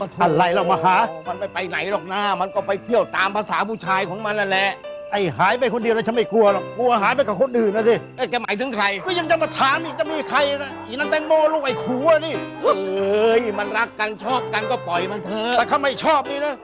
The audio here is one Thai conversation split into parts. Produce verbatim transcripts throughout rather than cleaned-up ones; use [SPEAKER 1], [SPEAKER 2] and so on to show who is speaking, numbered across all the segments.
[SPEAKER 1] อะไรเรามาหา
[SPEAKER 2] มันไม่ไปไหนหรอกนะมันก็ไปเที่ยวตามภาษาผู้ชายของมันนั่นแหละ
[SPEAKER 1] ไอ้หายไปคนเดียวแล้วฉันไม่กลัวหรอกกลัวหายไปกับคนอื่นนะสิ
[SPEAKER 2] เอ้แกหมายถึงใคร
[SPEAKER 1] ก็ยังจะมาถามอีกจะมีใครนะอีนั่นแตงโมลูกไอ้ขูนี่
[SPEAKER 2] เอ้ยมันรักกันชอบกันก็ปล่อยมันเถอะ
[SPEAKER 1] แต่ข้าไม่ชอบนี่นะ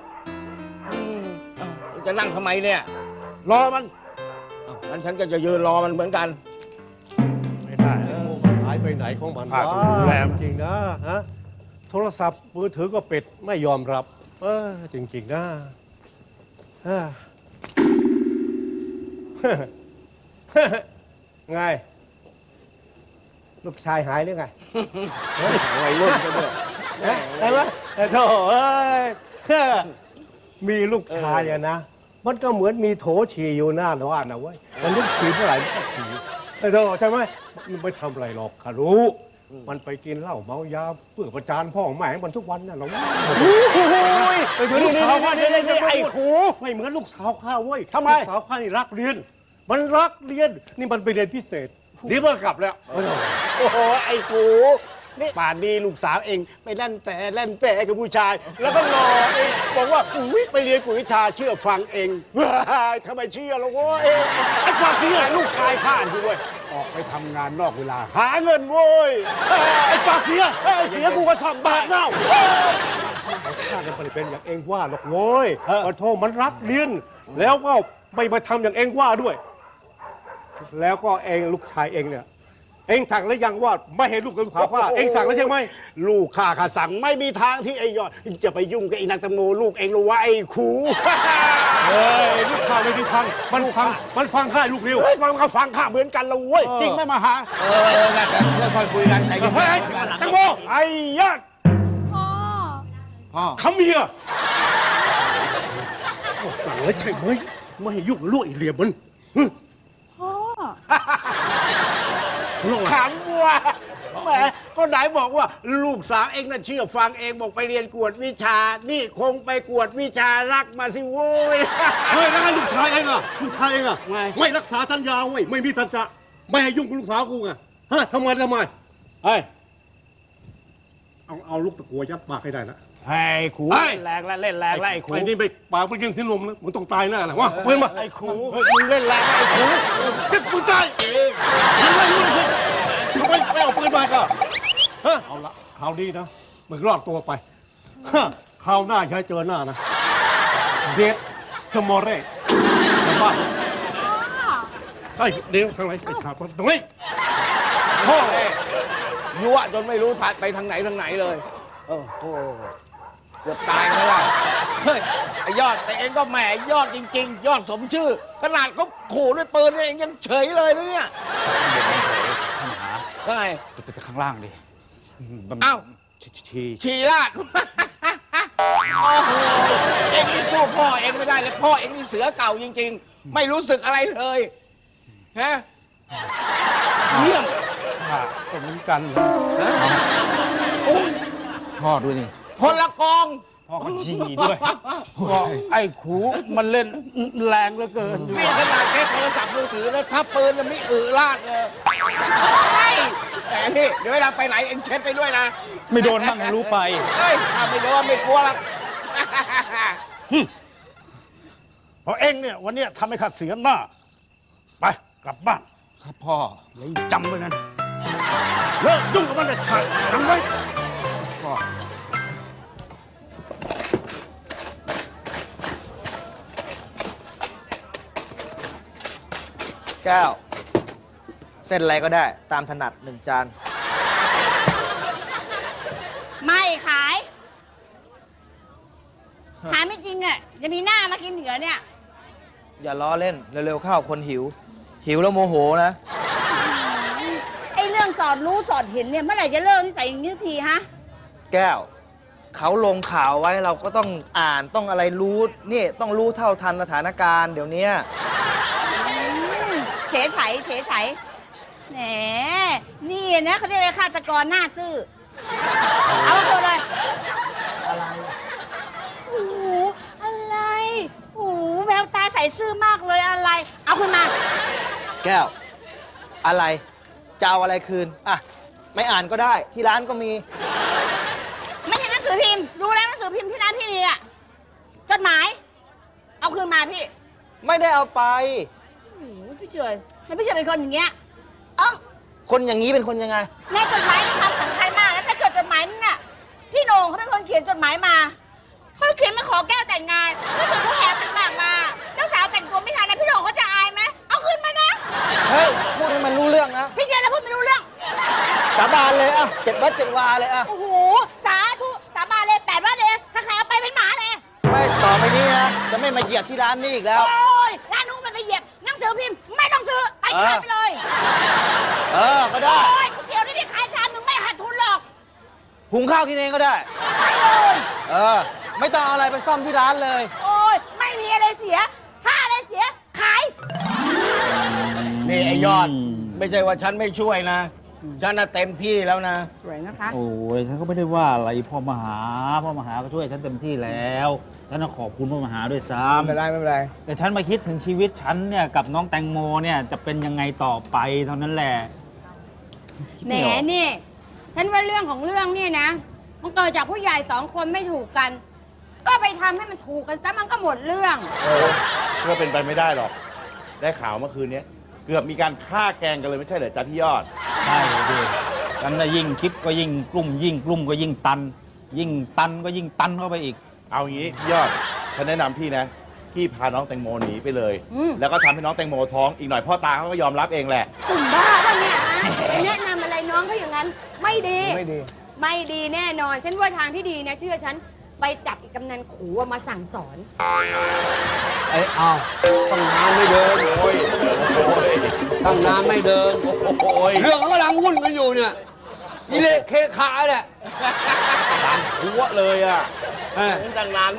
[SPEAKER 2] จะนั่งทำไมเนี่ย
[SPEAKER 1] รอมัน
[SPEAKER 2] งั้นฉันก็จะยืนรอมันเหมือนกัน
[SPEAKER 1] ไม่ได้
[SPEAKER 3] หายไปไหนของมัน
[SPEAKER 1] ฝากดูแล
[SPEAKER 3] จริงนะฮะโทรศัพท์มือถือก็ปิดไม่ยอมรับเออจริงๆนะไงลูกชายหายหรือไง
[SPEAKER 2] ไงรุ่นกันด้วย
[SPEAKER 3] ใช่ไหมโธ่เอ้ยมีลูกชายอะนะมันก็เหมือนมีโถฉี่อยู่หน้าบ้านนะเว้ยมันต้องฉี่เมื่อไหร่มันก็ฉี่โธ่ใช่ไหมมันไม่ทำอะไรหรอกข้ารู้มันไปกินเหล้าเมายาเพื่อประจานพ่อแม่มันทุกวันน่ะเรา
[SPEAKER 1] ไปดูลูกสาวข้าเนี่ยไอ้ขู
[SPEAKER 3] ไม่เหมือนลูกสาวข้าเว้ย
[SPEAKER 1] ทำไม
[SPEAKER 3] ลูกสาวข้านี่รักเรียนมันรักเรียนนี่มันไปเรียนพิเศษนี่มันกลับแล้ว
[SPEAKER 1] โอ้โหไอ้ขูนี่ป่านนี้ลูกสาวเองไปเล่นแต่เล่นแต่กับผู้ชายแล้วก็รอเองบอกว่าอุ้ยไปเรียนกุยวิชาเชื่อฟังเองทำไมเชื่อล่ะโว้ยไอ้ความเชื่อลูกชายข้าที่เว้ยออกไปทำงานนอกเวลาหาเงินโว้ย
[SPEAKER 3] ไอ้ปากเสีย
[SPEAKER 1] เสียกูก็สอบบาทเน่า
[SPEAKER 3] ข้าจะไปเป็นอย่างเองว่าหรอกโว้ยขอโทษมันรักเรียนแล้วก็ไม่มาทำอย่างเองว่าด้วยแล้วก็เองลูกชายเองเนี่ยเองสั่งแล้วยังว่าไม่เห็นลูกกับลูกสาวข้าเองสั่งแล้วใช่ไหม
[SPEAKER 1] ลูกข้าข้าสั่งไม่มีทางที่ไอ้ยอดจะไปยุ่งกับไอ้นางตังโมลูกเองหรือว่าไอ้ขู
[SPEAKER 3] เฮ้ยลูกข้าไม่มีทางมันฟังมันฟังข้าลูกเร็ว
[SPEAKER 1] มันก็ฟังข้าเหมือนกันละเว้ยจริงไหมมาหา
[SPEAKER 2] เออน่าจะค่อยๆคุยกันใจเย็น
[SPEAKER 3] ตังโม
[SPEAKER 1] ไอ้ยอด
[SPEAKER 4] พ่อ
[SPEAKER 3] พ่อคำเมียสั่งแล้วใช่ไหมไม่ให้ยุ่งลูกไอ้เหลี่ยมมัน
[SPEAKER 1] ขำวัวแหมก็ไหนบอกว่าลูกสาวเองน่ะเชื่อฟังเองบอกไปเรียนกวดวิชานี่คงไปกวดวิชารักมาสิโว้ย
[SPEAKER 3] เฮ้ยแล้วลูกชายเองอะลูกชายเองอะไม่รักษาสัญญาเว้ยไม่มีสัจจะไม่ให้ยุ่งกับลูกสาวกูไงฮะทำไมทำไมเฮ้ยเอาเอาลูกตะกัวยัดปากให้ได้นะ
[SPEAKER 1] ไอ้ขูเล่นแรงแล้วเล่นแรงแล้วไอ้ขู
[SPEAKER 3] ไอ้นี่ไปปากไปยิงที่ลมนะมึงต้องตายแน่แหละวะเพื่อนมา
[SPEAKER 1] ไอ้ขูมึงเล่นแรงไอ้ขู
[SPEAKER 3] เก็บมึงตายยังไงมึงทำไมไม่เอาปืนมาก็ฮะเอาละคราวนี้นะมึงรอดตัวไปฮะคราวหน้าใช้เจอหน้านะเด็ดสมอเร่บ้าไอ้เดี๋ยวทางไหนไอ้ขาดตรงนี้
[SPEAKER 2] พ่อยั่วจนไม่รู้ไปทางไหนทางไหนเลยโอ้โหเกือบตายแล้วล่ะเฮ้ยไอ้ยอดแต่เองก็แหมยอดจริงๆยอดสมชื่อขนาดเขาขู่ด้วยปืนเองยังเฉยเลยนะเนี่ย
[SPEAKER 5] ท่านหา
[SPEAKER 2] ได้ไง
[SPEAKER 5] แต่ข้างล่างดิ
[SPEAKER 2] อ้าว
[SPEAKER 5] ชี
[SPEAKER 2] ชีลาดโอ้โหเองนี่สู้พ่อเองไม่ได้เลยพ่อเองนี่เสือเก่าจริงๆไม่รู้สึกอะไรเลยฮะเยี่ยม
[SPEAKER 1] ค่ะก็เหมือนกัน
[SPEAKER 2] ฮะโอ้ย
[SPEAKER 5] พ่อด้วยนี่
[SPEAKER 2] พลกอง
[SPEAKER 5] พ่อก็จีด้วย
[SPEAKER 1] ก็ไอ้ขูมันเล่นแรงเหลือเกิน
[SPEAKER 2] นี่ขนาดแค่โทรศัพท์มือถือนะถ้าปืนมันไม่อือลาดเลยแต่นี่เดี๋ยวเวลาไปไหนเอ็งเช็ดไปด้วยนะ
[SPEAKER 5] ไม่โดนบ้างรู้ไป
[SPEAKER 2] เฮ้ยถ้าไม่โดนไม่กลัวหรอก
[SPEAKER 1] เพราะเอ็งเนี่ยวันนี้ทำให้ข้าเสียหน้าไปกลับบ้าน
[SPEAKER 5] ครับพ่อ
[SPEAKER 1] เลยจำไว้นะเลิกยุ่งกับมันเด็ดขาดจำไว้
[SPEAKER 5] พ่อ
[SPEAKER 6] แก้วเส้นอะไรก็ได้ตามถนัดหนึ่งจาน
[SPEAKER 4] ไม่ขายขายไม่จริงอ่ะจะมีหน้ามากินเหนือเนี่ย
[SPEAKER 6] อย่าล้อเล่นเร็วๆเข้าคนหิวหิวแล้วโมโหนะ
[SPEAKER 4] ไอ้เรื่องสอดรู้สอดเห็นเนี่ยเมื่อไหร่จะเลิกนิสัยอย่างนี้ทีฮะ
[SPEAKER 6] แก้วเขาลงข่าวไว้เราก็ต้องอ่านต้องอะไรรู้นี่ต้องรู้เท่าทันสถานการณ์เดี๋ยวนี้
[SPEAKER 4] เฉยไฉเฉยไฉแหมนี่นะเขาเรียกว่าฆาตกรหน้าซื่อเอาตัวเลย
[SPEAKER 6] อะไร
[SPEAKER 4] โอ้โหอะไรโอ้โหแววตาใสซื่อมากเลยอะไรเอาขึ้นมา
[SPEAKER 6] แก้วอะไรจะเอาอะไรคืนอ่ะไม่อ่านก็ได้ที่ร้านก็มี
[SPEAKER 4] ไม่ใช่หนังสือพิมพ์รู้แล้วหนังสืออพิมพ์ที่ร้านพี่มีอะจดหมาย เอาคืนมาพี่
[SPEAKER 6] ไม่ได้เอาไป
[SPEAKER 4] โอ้โหพี่เฉยมันพี่เฉยเป็นคนอย่างเงี้ย
[SPEAKER 6] เอ้าคนอย่างนี้เป็นคนยังไง
[SPEAKER 4] ในจดหมายนี่ความสำคัญมากแล้วถ้าเกิดจดหมายนั่นน่ะพี่โหน่งเขาเป็นคนเขียนจดหมายมาเขาเขียนมาขอแก้วแต่งงานถ้าเกิดเขาแหกขันหมากมาเจ้าสาวแต่งตัวไม่ทันนะพี่โหน่งเขาจะอายไหมเอาคืนมานะ
[SPEAKER 6] เฮ้ย พูดให้มันรู้เรื่องนะ
[SPEAKER 4] พี่เฉยแล้วพูดไม่รู้เรื่อง
[SPEAKER 6] สาบานเลยอ่ะเจ็ดวัดเจ็ดวาเลยอ่ะ
[SPEAKER 4] โอ้โหสาธุสาบานเลยแปดว่าเลยถ้าใครเอาไปเป็นหมาเลย
[SPEAKER 6] ไม่ต่อไปนี้นะ จะไม่มาเหยียบที่ร้านนี้อีกแล้ว
[SPEAKER 4] โอ้ยร้านนู้นมันไปเหยียบหนังสือพิมพ์ไม่ต้องซื้อไปขายไปเลย
[SPEAKER 6] เออ ก็ได้
[SPEAKER 4] โอ้ยก๋วยเตี๋ยวนี่ที่ขายชามหนึ่งไม่ขาดทุนหรอก
[SPEAKER 6] หุงข้าวกินเองก็ได้
[SPEAKER 4] ไปเลย
[SPEAKER 6] เออ ไม่ต้องเอาอะไรไปซ่อมที่ร้านเลย
[SPEAKER 4] โอ้ยไม่มีอะไรเสีย ถ้าอะไรเสียขาย
[SPEAKER 2] นี่ไอ้ยอด ไม่ใช่ว่าฉันไม่ช่วยนะ ฉันน่ะเต็มที่แล้วนะ
[SPEAKER 4] สวยนะคะ
[SPEAKER 5] โอ้ยฉันก็ไม่ได้ว่าอะไรพ่อมหา พ่อมหาก็ช่วยฉันเต็มที่แล้ว ฉันต้องขอบคุณพ่อมหาด้วยซ้
[SPEAKER 2] ไม่เป็นไรไม่เป็นไร
[SPEAKER 5] ำแต่ฉันมาคิดถึงชีวิตฉันเนี่ยกับน้องแตงโมเนี่ยจะเป็นยังไงต่อไปเท่านั้นแหละ
[SPEAKER 7] แหมนี่ ฉันว่าเรื่องของเรื่องเนี่ยนะ มันเกิดจากผู้ใหญ่สองคนไม่ถูกกัน ก็ไปทำให้มันถูกกันซะมันก็หมดเรื่อง
[SPEAKER 8] เออเพื่อเป็นไปไม่ได้หรอก ได้ข่าวเมื่อคืนนี้เกือบมีการฆ่าแกล้งกันเลยไม่ใช่เหรอจ๊ะพี่ยอด
[SPEAKER 5] ใช่ดิฉันน่ะยิ่งคิดก็ยิ่งกลุ่ม ยิ่งกลุ่มก็ยิ่งตัน ยิ่งตันก็ยิ่งตันเข้าไปอีก
[SPEAKER 8] เอางี้พี่ยอด ฉันแนะนำพี่นะ พี่พาน้องแตงโมหนีไปเลย
[SPEAKER 7] อืม
[SPEAKER 8] แล้วก็ทำให้น้องแตงโมท้อง อีกหน่อยพ่อตาเขาก็ยอมรับเองแหละ
[SPEAKER 7] ตุ่มบ้าป่ะเนี่ยฮะไปแนะนำอะไรน้องเขาอย่างนั้น ไม่ดี
[SPEAKER 2] ไม่ดี
[SPEAKER 7] ไม่ดีแน่นอน ฉันว่าทางที่ดีนะเชื่อฉัน ไปจับอีกกำนันขู่อะมาสั่งสอน
[SPEAKER 1] ไอ้เอาตั้งนานไม่เดิน
[SPEAKER 8] โอ้ย โอ้ย
[SPEAKER 1] ตั้งนานไม่เดิน
[SPEAKER 8] โอ้ย
[SPEAKER 1] เรื่องเขากำลังวุ่นกันอยู่เนี่ยนี่เละเคขาเนี่ย
[SPEAKER 8] หัวเลยอ่ะ
[SPEAKER 1] เออ
[SPEAKER 2] ตั้งนาน